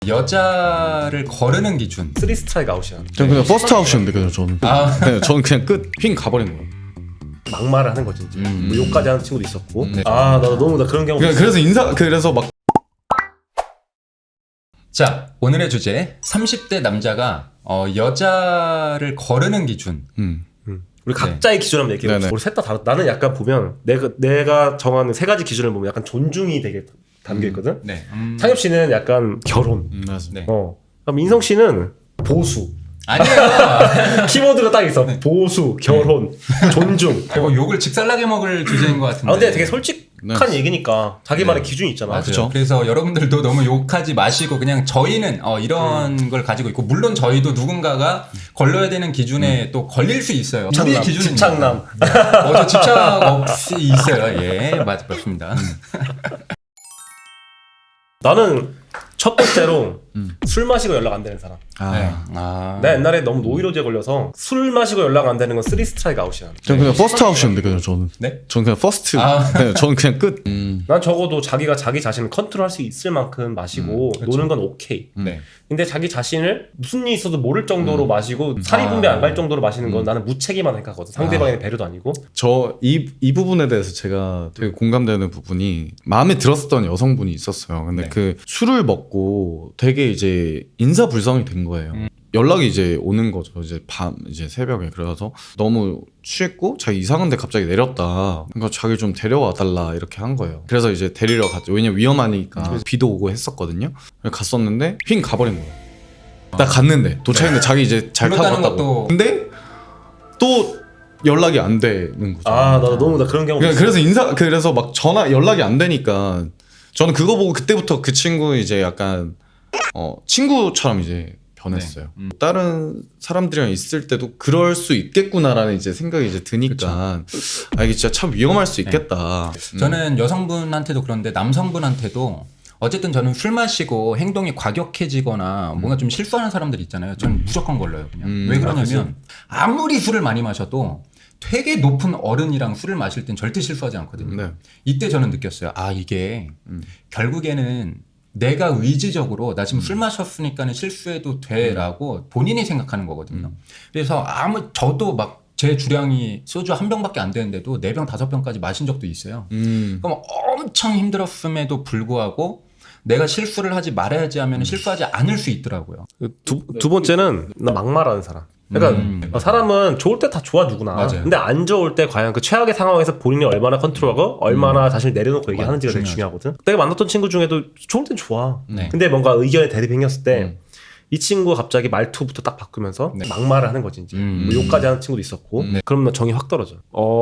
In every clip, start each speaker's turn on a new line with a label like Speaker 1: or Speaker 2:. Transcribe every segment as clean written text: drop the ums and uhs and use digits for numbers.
Speaker 1: 여자를 거르는 기준.
Speaker 2: 3 스트라이크 아웃이야.
Speaker 3: 저는 그냥 퍼스트 아웃이었는데 그냥 저는. 네, 저는 그냥 끝 핑 가버린 거예요.
Speaker 2: 막말을 하는 거지 이제. 뭐 욕까지 하는 친구도 있었고. 나도 너무 나 그런 경우.
Speaker 3: 그래서 막
Speaker 1: 자, 오늘의 주제 30대 남자가 여자를 거르는 기준.
Speaker 2: 우리 각자의 기준 한번 얘기해봅시다. 우리 셋 다 다르다. 나는 약간 보면 내가 정하는 세 가지 기준을 보면 약간 존중이 되게 담겨있거든.
Speaker 1: 네.
Speaker 2: 창엽 씨는 약간 결혼.
Speaker 3: 맞습니다.
Speaker 1: 네.
Speaker 2: 그럼 인성 씨는 보수.
Speaker 1: 아니에요.
Speaker 2: 키워드가 딱 있어. 보수, 결혼, 존중.
Speaker 1: 그리고 욕을 직살나게 먹을 주제인 것 같은데.
Speaker 2: 근데 되게 솔직한 얘기니까 자기만의 기준이 있잖아.
Speaker 1: 맞아요.
Speaker 3: 그쵸?
Speaker 1: 그래서 여러분들도 너무 욕하지 마시고 그냥 저희는 이런 걸 가지고 있고, 물론 저희도 누군가가 걸러야 되는 기준에 또 걸릴 수 있어요. 우리의 기준은
Speaker 2: 집착남.
Speaker 1: 저 집착 없이 있어요. 예, 맞습니다.
Speaker 2: 나는 첫 번째로 술 마시고 연락 안 되는 사람.
Speaker 1: 네.
Speaker 2: 나 옛날에 너무 노이로제 걸려서 술 마시고 연락 안 되는 건 3 스트라이크 아웃이야.
Speaker 3: 저는 그냥 퍼스트 아웃이었는데 그냥 저는.
Speaker 1: 네?
Speaker 3: 저는 그냥 퍼스트. 네, 저는 그냥 끝.
Speaker 2: 난 적어도 자기가 자기 자신을 컨트롤할 수 있을 만큼 마시고 노는 건 오케이.
Speaker 1: 네.
Speaker 2: 근데 자기 자신을 무슨 일이 있어도 모를 정도로 마시고 살이 분배 안 갈 정도로 마시는 건 나는 무책임하다 생각하거든. 상대방의 배려도 아니고.
Speaker 3: 저 이 부분에 대해서 제가 되게 공감되는 부분이, 마음에 들었었던 여성분이 있었어요. 근데
Speaker 1: 네.
Speaker 3: 그 술을 먹고 되게 이제 인사불성이 된 거예요. 연락이 이제 오는 거죠. 이제 이제 새벽에. 그래서 너무 취했고 자기 이상한데 갑자기 내렸다. 그러니까 자기 좀 데려와 달라 이렇게 한 거예요. 그래서 이제 데리러 갔죠. 왜냐면 위험하니까. 비도 오고 했었거든요. 갔었는데 핑 가버린 거예요. 나 갔는데 도착했는데 자기 이제 잘 타고
Speaker 1: 그러다는
Speaker 3: 갔다고.
Speaker 1: 것도.
Speaker 3: 근데 또 연락이 안 되는 거죠.
Speaker 2: 나도 너무 나 그런 경우.
Speaker 3: 그래서 막 연락이 안 되니까 저는 그거 보고 그때부터 그 친구 이제 약간 친구처럼 이제 변했어요. 다른 사람들이랑 있을 때도 그럴 수 있겠구나라는 이제 생각이 이제 드니까 이게 진짜 참 위험할 수 있겠다.
Speaker 1: 저는 여성분한테도 그런데 남성분한테도 어쨌든 저는 술 마시고 행동이 과격해지거나 뭔가 좀 실수하는 사람들 있잖아요. 저는 무조건 걸러요. 그냥. 왜 그러냐면 아무리 술을 많이 마셔도 되게 높은 어른이랑 술을 마실 땐 절대 실수하지 않거든요.
Speaker 3: 네.
Speaker 1: 이때 저는 느꼈어요. 이게 결국에는 내가 의지적으로 나 지금 술 마셨으니까는 실수해도 돼라고 본인이 생각하는 거거든요. 그래서 저도 막 제 주량이 소주 한 병밖에 안 되는데도 4병 5병까지 마신 적도 있어요. 그럼 엄청 힘들었음에도 불구하고 내가 실수를 하지 말아야지 하면 실수하지 않을 수 있더라고요.
Speaker 2: 두 번째는 나 막말하는 사람. 그러니까 사람은 좋을 때 다 좋아 누구나.
Speaker 1: 맞아요.
Speaker 2: 근데 안 좋을 때 과연 그 최악의 상황에서 본인이 얼마나 컨트롤하고 얼마나 자신을 내려놓고 얘기하는지가 되게 중요하거든. 내가 만났던 친구 중에도 좋을 땐 좋아.
Speaker 1: 네.
Speaker 2: 근데 뭔가 의견에 대립이 생겼을 때 이 친구가 갑자기 말투부터 딱 바꾸면서 막말을 하는 거지 이제. 뭐 욕까지 하는 친구도 있었고. 그럼 나 정이 확 떨어져.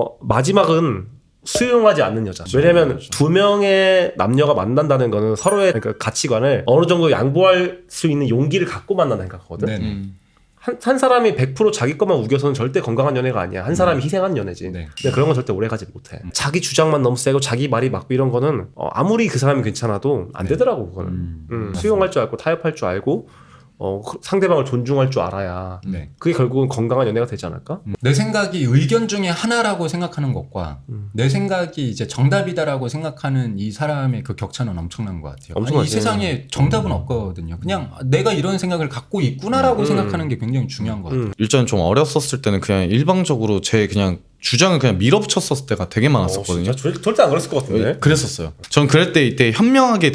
Speaker 2: 마지막은 수용하지 않는 여자. 왜냐면 두 명의 남녀가 만난다는 거는 서로의 그러니까 가치관을 어느 정도 양보할 수 있는 용기를 갖고 만난다 생각하거든. 한 사람이 100% 자기 것만 우겨서는 절대 건강한 연애가 아니야. 한 사람이 희생한 연애지. 근데 그런 건 절대 오래 가지 못해. 자기 주장만 너무 세고 자기 말이 맞고 이런 거는 아무리 그 사람이 괜찮아도 안 되더라고 그거는. 수용할 줄 알고 타협할 줄 알고 상대방을 존중할 줄 알아야 그게 결국은 건강한 연애가 되지 않을까?
Speaker 1: 내 생각이 의견 중에 하나라고 생각하는 것과 내 생각이 이제 정답이다라고 생각하는 이 사람의 그 격차는 엄청난 것 같아요. 이 세상에 정답은 없거든요. 그냥 내가 이런 생각을 갖고 있구나라고 생각하는 게 굉장히 중요한 것 같아요.
Speaker 3: 일단 좀 어렸었을 때는 그냥 일방적으로 제 그냥 주장을 그냥 밀어붙였었을 때가 되게 많았었거든요.
Speaker 2: 진짜 절대 안 그랬을 것 같은데.
Speaker 3: 그랬었어요. 전 그럴 때 이때 현명하게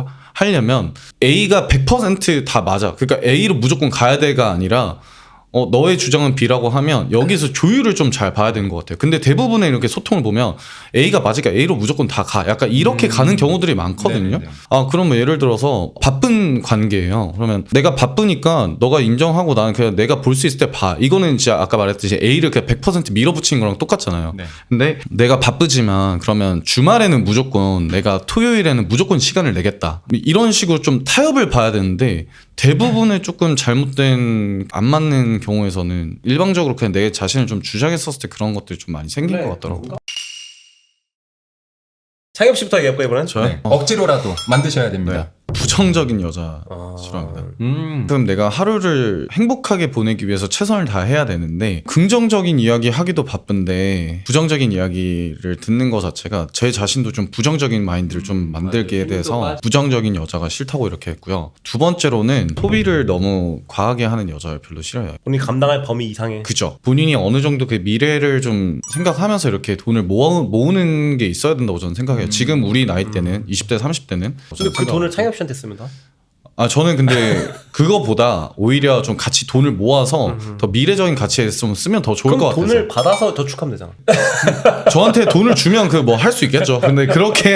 Speaker 3: 대처하려면 A가 100% 다 맞아. 그러니까 A로 무조건 가야 돼가 아니라 너의 주장은 B라고 하면 여기서 조율을 좀 잘 봐야 되는 것 같아요. 근데 대부분의 이렇게 소통을 보면 A가 맞으니까 A로 무조건 다 가. 약간 이렇게 가는 경우들이 많거든요. 그러면 예를 들어서 바쁜 관계예요. 그러면 내가 바쁘니까 너가 인정하고 나는 그냥 내가 볼 수 있을 때 봐. 이거는 진짜 아까 말했듯이 A를 그냥 100% 밀어붙이는 거랑 똑같잖아요. 근데 내가 바쁘지만 그러면 주말에는 무조건 내가 토요일에는 무조건 시간을 내겠다. 이런 식으로 좀 타협을 봐야 되는데 대부분의 조금 잘못된 안 맞는 경우에서는 일방적으로 그냥 내 자신을 좀 주장했었을 때 그런 것들이 좀 많이 생긴 것 같더라고요.
Speaker 2: 창엽 씨부터 얘기해볼까 이번엔?
Speaker 3: 저요?
Speaker 1: 억지로라도 만드셔야 됩니다.
Speaker 3: 부정적인 여자 싫어합니다. 그럼 내가 하루를 행복하게 보내기 위해서 최선을 다해야 되는데 긍정적인 이야기 하기도 바쁜데 부정적인 이야기를 듣는 것 자체가 제 자신도 좀 부정적인 마인드를 좀 만들게 돼서 부정적인 여자가 싫다고 이렇게 했고요. 두 번째로는 소비를 너무 과하게 하는 여자를 별로 싫어해요.
Speaker 2: 본인이 감당할 범위 이상의.
Speaker 3: 그죠. 본인이 어느 정도 그 미래를 좀 생각하면서 이렇게 돈을 모으는 게 있어야 된다고 저는 생각해요. 지금 우리 나이 때는 20대 30대는
Speaker 2: 근데 그 돈을 창엽 씨한테 쓰면 다?
Speaker 3: 저는 근데 그거보다 오히려 좀 같이 돈을 모아서 더 미래적인 가치에 좀 쓰면 더 좋을 것
Speaker 2: 그럼
Speaker 3: 같아서
Speaker 2: 돈을 받아서 저축하면 되잖아.
Speaker 3: 저한테 돈을 주면 그 뭐 할 수 있겠죠. 근데 그렇게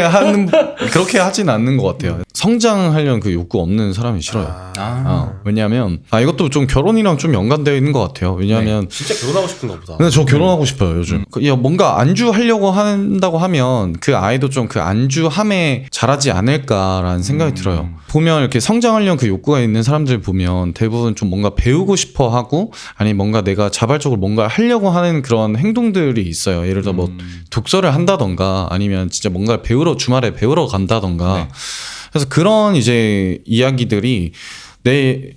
Speaker 3: 하진 않는 것 같아요. 성장하려는 그 욕구 없는 사람이 싫어요. 왜냐하면 이것도 좀 결혼이랑 좀 연관되어 있는 것 같아요. 왜냐하면
Speaker 2: 진짜 결혼하고 싶은가 보다.
Speaker 3: 근데 저 결혼하고 싶어요 요즘. 뭔가 안주하려고 한다고 하면 그 아이도 좀 그 안주함에 자라지 않을까라는 생각이 들어요. 보면 이렇게 성장하려는 그 욕구가 있는 사람들 보면 대부분 좀 뭔가 배우고 싶어 하고 아니 뭔가 내가 자발적으로 뭔가 하려고 하는 그런 행동들이 있어요. 예를 들어 뭐 독서를 한다던가 아니면 진짜 뭔가 주말에 배우러 간다던가. 네. 그래서 그런 이제 이야기들이 내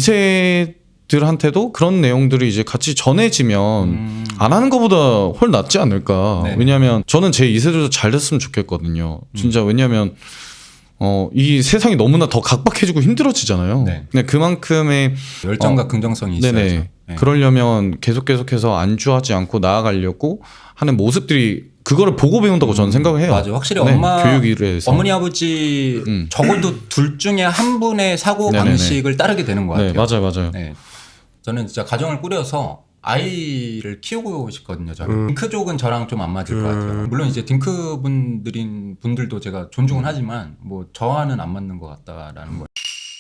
Speaker 3: 2세들한테도 그런 내용들이 이제 같이 전해지면 안 하는 것보다 훨 낫지 않을까. 네네. 왜냐하면 저는 제 2세들도 잘 됐으면 좋겠거든요. 진짜 왜냐하면 이 세상이 너무나 더 각박해지고 힘들어지잖아요. 네. 근데 그만큼의
Speaker 1: 열정과 긍정성이 있어야죠.
Speaker 3: 네네. 네. 그러려면 계속해서 안주하지 않고 나아가려고 하는 모습들이 그거를 보고 배운다고 저는 생각을 해요.
Speaker 1: 맞아요. 확실히
Speaker 3: 교육일에서
Speaker 1: 어머니 아버지 적어도 둘 중에 한 분의 사고 방식을 따르게 되는 것 같아요.
Speaker 3: 네, 맞아요.
Speaker 1: 네. 저는 진짜 가정을 꾸려서 아이를 키우고 싶거든요. 저는 딩크족은 저랑 좀 안 맞을 것 같아요. 물론 이제 딩크 분들도 제가 존중은 하지만 뭐 저와는 안 맞는 것 같다라는 거예요.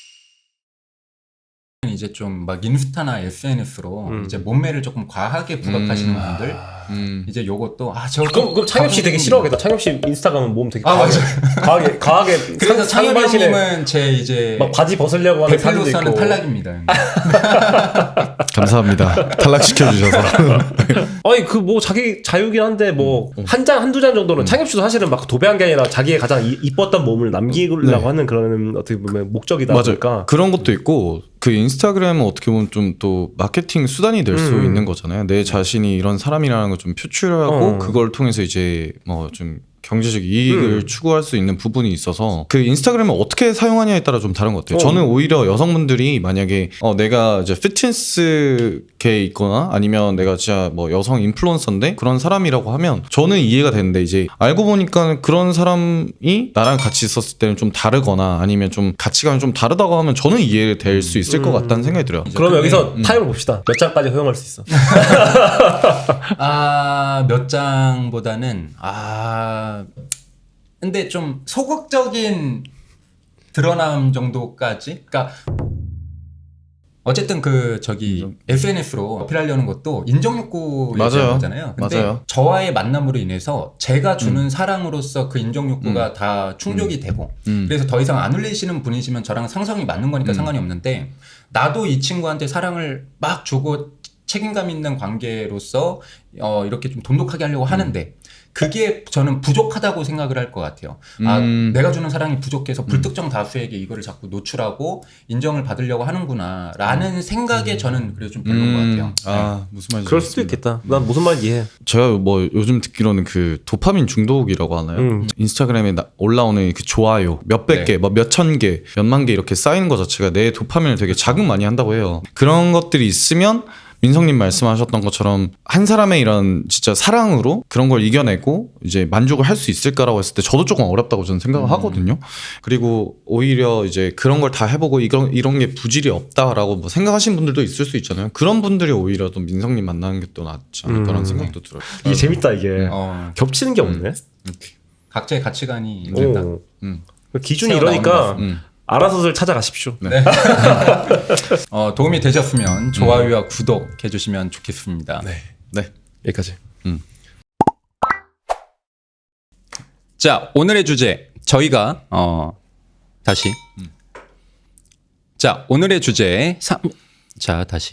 Speaker 1: 이제 좀 막 인스타나 SNS로 이제 몸매를 조금 과하게 부각하시는 분들 이제 요것도
Speaker 2: 그럼 창엽 씨 되게 싫어하겠다. 창엽 씨 인스타 가면 몸 되게 과하게
Speaker 1: 그래서 창엽 형님은 제 이제
Speaker 2: 막 바지 벗으려고 하는 사진도 있고.
Speaker 1: 대표로서는 탈락입니다.
Speaker 3: 감사합니다. 탈락시켜 주셔서.
Speaker 2: 아니 그 뭐 자기 자유긴 한데 뭐 한 장 한두 장 정도는 창엽 씨도 사실은 막 도배한 게 아니라 자기의 가장 이뻤던 몸을 남기려고 하는 그런 어떻게 보면 목적이다 보니까
Speaker 3: 그런 것도 있고 그 인스타그램은 어떻게 보면 좀 또 마케팅 수단이 될 수 있는 거잖아요. 내 자신이 이런 사람이라는 걸 좀 표출하고 그걸 통해서 이제 뭐 좀 경제적 이익을 추구할 수 있는 부분이 있어서 그 인스타그램을 어떻게 사용하냐에 따라 좀 다른 것 같아요. 저는 오히려 여성분들이 만약에 내가 이제 피트니스계에 있거나 아니면 내가 진짜 뭐 여성 인플루언서인데 그런 사람이라고 하면 저는 이해가 되는데 이제 알고 보니까 그런 사람이 나랑 같이 있었을 때는 좀 다르거나 아니면 좀 가치관이 좀 다르다고 하면 저는 이해될 수 있을 것 같다는 생각이 들어요.
Speaker 2: 그럼 여기서 타임을 봅시다. 몇 장까지 허용할 수 있어?
Speaker 1: 몇 장보다는 근데 좀 소극적인 드러남 정도까지? 그러니까 어쨌든 SNS로 어필하려는 것도 인정욕구의 거잖아요. 근데 저와의 만남으로 인해서 제가 주는 사랑으로서 그 인정욕구가 다 충족이 되고 그래서 더 이상 안 올리시는 분이시면 저랑 상성이 맞는 거니까 상관이 없는데 나도 이 친구한테 사랑을 막 주고 책임감 있는 관계로서 이렇게 좀 돈독하게 하려고 하는데 그게 저는 부족하다고 생각을 할 것 같아요. 내가 주는 사랑이 부족해서 불특정 다수에게 이거를 자꾸 노출하고 인정을 받으려고 하는구나 라는 생각에 저는 그래서 좀 별로인 것 같아요.
Speaker 3: 무슨 말인지
Speaker 2: 그럴 수도 있겠다. 난 무슨 말인지 이해해.
Speaker 3: 제가 뭐 요즘 듣기로는 그 도파민 중독이라고 하나요? 인스타그램에 올라오는 그 좋아요 몇백 개, 뭐 몇천 개, 몇만 개 이렇게 쌓이는 것 자체가 내 도파민을 되게 자극 많이 한다고 해요. 그런 것들이 있으면 민성님 말씀하셨던 것처럼 한 사람의 이런 진짜 사랑으로 그런 걸 이겨내고 이제 만족을 할 수 있을까라고 했을 때 저도 조금 어렵다고 저는 생각을 하거든요. 그리고 오히려 이제 그런 걸 다 해보고 이런 게 부질이 없다라고 뭐 생각하시는 분들도 있을 수 있잖아요. 그런 분들이 오히려 또 민성님 만나는 게 또 낫지 않을까라는 생각도 들어요.
Speaker 2: 이게 재밌다 이게. 겹치는 게 없네.
Speaker 1: 각자의 가치관이 있다.
Speaker 2: 기준이 이러니까 알아서들 찾아가십시오.
Speaker 1: 네. 도움이 되셨으면 좋아요와 구독 해주시면 좋겠습니다.
Speaker 2: 네. 여기까지.
Speaker 1: 자, 오늘의 주제 저희가 다시. 자, 오늘의 주제 자, 다시.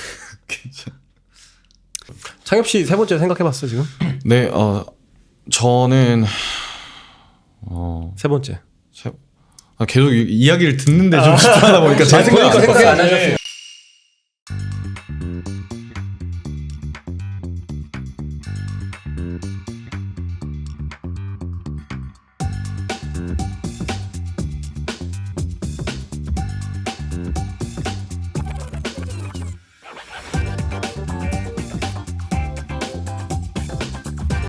Speaker 2: 창엽 씨 세 번째 생각해봤어 지금?
Speaker 3: 네, 저는
Speaker 2: 세 번째.
Speaker 3: 계속 이야기를 듣는데 좀 집중하다 보니까 제
Speaker 2: 생각하니까
Speaker 3: 생각이
Speaker 1: 생각 안 하셨어요.